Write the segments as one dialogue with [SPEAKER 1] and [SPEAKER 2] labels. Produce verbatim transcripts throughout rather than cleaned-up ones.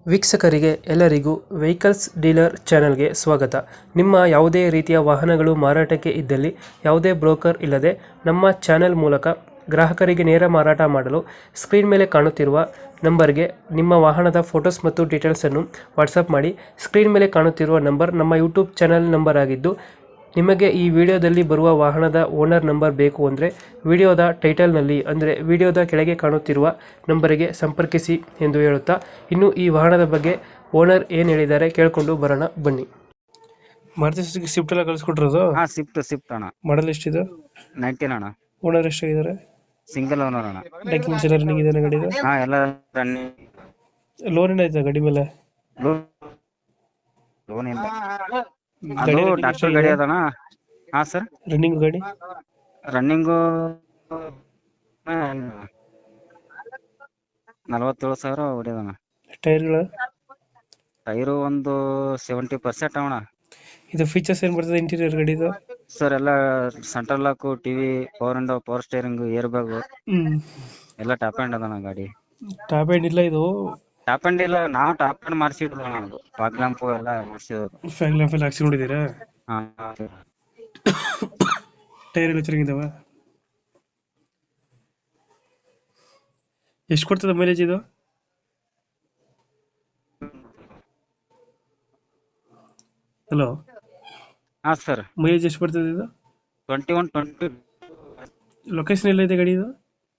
[SPEAKER 1] ವೀಕ್ಷಕರಿಗೆ ಎಲ್ಲರಿಗೂ vehicles dealer ಚಾನೆಲ್ಗೆ ಸ್ವಾಗತ. ನಿಮ್ಮ ಯಾವುದೇ ರೀತಿಯ ವಾಹನಗಳು ಮಾರಾಟಕ್ಕೆ ಇದ್ದಲ್ಲಿ ಯಾವುದೇ ಬ್ರೋಕರ್ ಇಲ್ಲದೆ ನಮ್ಮ ಚಾನೆಲ್ ಮೂಲಕ ಗ್ರಾಹಕರಿಗೆ ನೇರ ಮಾರಾಟ ಮಾಡಲು ಸ್ಕ್ರೀನ್ ಮೇಲೆ ಕಾಣುತ್ತಿರುವ ನಂಬರ್ಗೆ ನಿಮ್ಮ ವಾಹನದ ಫೋಟೋಸ್ ಮತ್ತು ಡೀಟೇಲ್ಸನ್ನು ವಾಟ್ಸಪ್ ಮಾಡಿ. ಸ್ಕ್ರೀನ್ ಮೇಲೆ ಕಾಣುತ್ತಿರುವ ನಂಬರ್ ನಮ್ಮ ಯೂಟ್ಯೂಬ್ ಚಾನೆಲ್ ನಂಬರ್ ಆಗಿದ್ದು, ನಿಮಗೆ ಈ ವಿಡಿಯೋದಲ್ಲಿ ಬರುವ ವಾಹನದ ಓನರ್ ನಂಬರ್ ಬೇಕು ಅಂದರೆ ವಿಡಿಯೋದ ಟೈಟಲ್ನಲ್ಲಿ ಅಂದರೆ ವಿಡಿಯೋದ ಕೆಳಗೆ ಕಾಣುತ್ತಿರುವ ನಂಬರಿಗೆ ಸಂಪರ್ಕಿಸಿ ಎಂದು ಹೇಳುತ್ತಾ, ಇನ್ನು ಈ ವಾಹನದ ಬಗ್ಗೆ ಓನರ್ ಏನು ಹೇಳಿದ್ದಾರೆ ಕೇಳಿಕೊಂಡು ಬರೋಣ ಬನ್ನಿ. ಮಾರುತಿ ಸುಜುಕಿ ಸ್ವಿಫ್ಟ್ ಎಲ್ಲ ಕಳಿಸ್ಕೊಟ್ರದು
[SPEAKER 2] ಹಾ ಸ್ವಿಫ್ಟ್ ಸ್ವಿಫ್ಟ್ ಅಣ್ಣ,
[SPEAKER 1] ಮಾಡಲ್ ಎಷ್ಟಿದೆ?
[SPEAKER 2] ನೈನ್ಟೀನ್ ಅಣ್ಣ,
[SPEAKER 1] ಓನರ್ ಎಷ್ಟಾಗಿದ್ದಾರೆ?
[SPEAKER 2] ಸಿಂಗಲ್ ಓನರ್ ಅಣ್ಣ.
[SPEAKER 1] ಡಾಕ್ಯುಮೆಂಟ್ಸ್ ಎಲ್ಲ ರನ್ನಿಂಗ್ ಇದೆ ಗಾಡಿದು?
[SPEAKER 2] ಹಾ ಎಲ್ಲ ರನ್ನಿಂಗ್.
[SPEAKER 1] ಲೋನ್ ಏನಾಯ್ತು ಗಾಡಿ ಮೇಲೆ?
[SPEAKER 2] ಲೋನ್ ಇಲ್ಲ,
[SPEAKER 1] ಗಾಡಿ
[SPEAKER 2] ಅದು
[SPEAKER 1] running
[SPEAKER 2] ಡಾಕ್ಟರ್
[SPEAKER 1] ಎಷ್ಟಾಗಿದೆ?
[SPEAKER 2] ಗಾಡಿ ಅದಣ್ಣ. ಹಾ ಸರ್,
[SPEAKER 1] ರನ್ನಿಂಗ್ ಗಾಡಿ
[SPEAKER 2] ರನ್ನಿಂಗು ನಲವತ್ತೇಳು ಸಾವಿರ ಹೊಡೆದಣ್ಣ.
[SPEAKER 1] ಟೈರ್ಗಳು?
[SPEAKER 2] ಟೈರು ಒಂದು ಸೆವೆಂಟಿ ಪರ್ಸೆಂಟ್ ಅವಣ.
[SPEAKER 1] ಇದು ಫೀಚರ್ಸ್ ಏನು ಬರ್ತದೆ ಇಂಟೀರಿಯರ್ ಗಾಡಿದು?
[SPEAKER 2] ಸರ್ ಎಲ್ಲ central lock, TV, power window, power steering, air bag
[SPEAKER 1] ಹ್ಮ್
[SPEAKER 2] ಎಲ್ಲ ಟಾಪ್ ಎಂಡ್ ಅದಣ್ಣ ಗಾಡಿ.
[SPEAKER 1] ಟಾಪ್ ಎಂಡ್ ಇಲ್ಲ ಇದು?
[SPEAKER 2] ಟಾಪ್ ಎಂಡ್ ಇಲ್ಲ, ನಾವು ಟಾಪ್ ಎಂಡ್ ಮಾಡಿಸಿದ್ವಿ ಅಣ್ಣ. ಅದು ಫಾಗ್ ಲ್ಯಾಂಪು ಎಲ್ಲ ಮಾಡಿಸಿದ್ರು.
[SPEAKER 1] ಫ್ಯಾಗ್ ಲ್ಯಾಂಪ್ ಎಲ್ಲ ಹಾಕ್ಸಿ ನೋಡಿದ್ದೀರಾ?
[SPEAKER 2] ಹಾ
[SPEAKER 1] ಟೈರ್ ಎಲ್ಲ ಚೆನ್ನಾಗಿದಾವ? ಎಷ್ಟು ಕೊಡ್ತದೆ ಮೈಲೇಜ್ ಇದು? ಹಲೋ,
[SPEAKER 2] ಹಾ ಸರ್,
[SPEAKER 1] ಮೈಲೇಜ್ ಎಷ್ಟು ಬರ್ತದೆ ಇದು?
[SPEAKER 2] Twenty one twenty.
[SPEAKER 1] ಲೊಕೇಶನ್ ಎಲ್ಲ ಇದೆ ಗಾಡಿ ಇದು?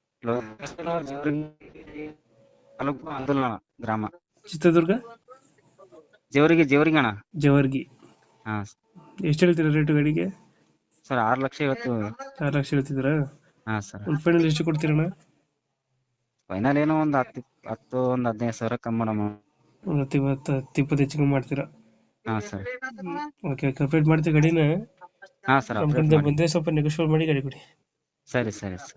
[SPEAKER 2] ತಾಲೂಕು ಅಂದುಲಣ ಗ್ರಾಮ,
[SPEAKER 1] ಚಿತ್ರದುರ್ಗ
[SPEAKER 2] ಜೇವರಿಗೆ ಜೇವರಿಗೆ ಅಣ್ಣ.
[SPEAKER 1] ಜವರ್ಗಿ.
[SPEAKER 2] ಹಾ
[SPEAKER 1] ಎಷ್ಟು ಹೇಳ್ತೀರಾ ರೇಟು ಗಾಡಿಗೆ?
[SPEAKER 2] ಸರ್, ಆರು ಲಕ್ಷ ಇವತ್ತು.
[SPEAKER 1] ಆರು ಲಕ್ಷ ಹೇಳ್ತಿದ್ದೀರಾ?
[SPEAKER 2] ಹಾ ಸರ್,
[SPEAKER 1] ಒಂದು ಫೈನಲ್ ಎಷ್ಟು ಕೊಡ್ತೀರಣ್ಣ?
[SPEAKER 2] ಫೈನಲ್ ಏನೋ ಒಂದು ಹತ್ತು ಹತ್ತು ಒಂದು ಹದಿನೈದು ಸಾವಿರ ಕಮ್ಮಿ ಮಾಡಮ್ಮ.
[SPEAKER 1] ಒಂದು ಹತ್ತು ಇವತ್ತು ಹತ್ತು ಇಪ್ಪತ್ತು ಹೆಚ್ಚಿಗೆ ಮಾಡ್ತೀರಾ?
[SPEAKER 2] ಹಾ ಸರ್,
[SPEAKER 1] ಓಕೆ, ಕಂಪ್ಲೀಟ್ ಮಾಡ್ತೀವಿ ಗಾಡಿನ.
[SPEAKER 2] ಹಾ ಸರ್,
[SPEAKER 1] ನಮ್ಮ
[SPEAKER 2] ಅಪ್ಡೇಟ್
[SPEAKER 1] ಕಡೆಯಿಂದ
[SPEAKER 2] ಮಾಡಿ.
[SPEAKER 1] ಬಂದರೆ ಸ್ವಲ್ಪ ನೆಗೋಷಿಯೇಟ್ ಮಾಡಿ ಗಾಡಿ ಕೊಡಿ.
[SPEAKER 2] ಸರಿ ಸರಿ ಸರ್.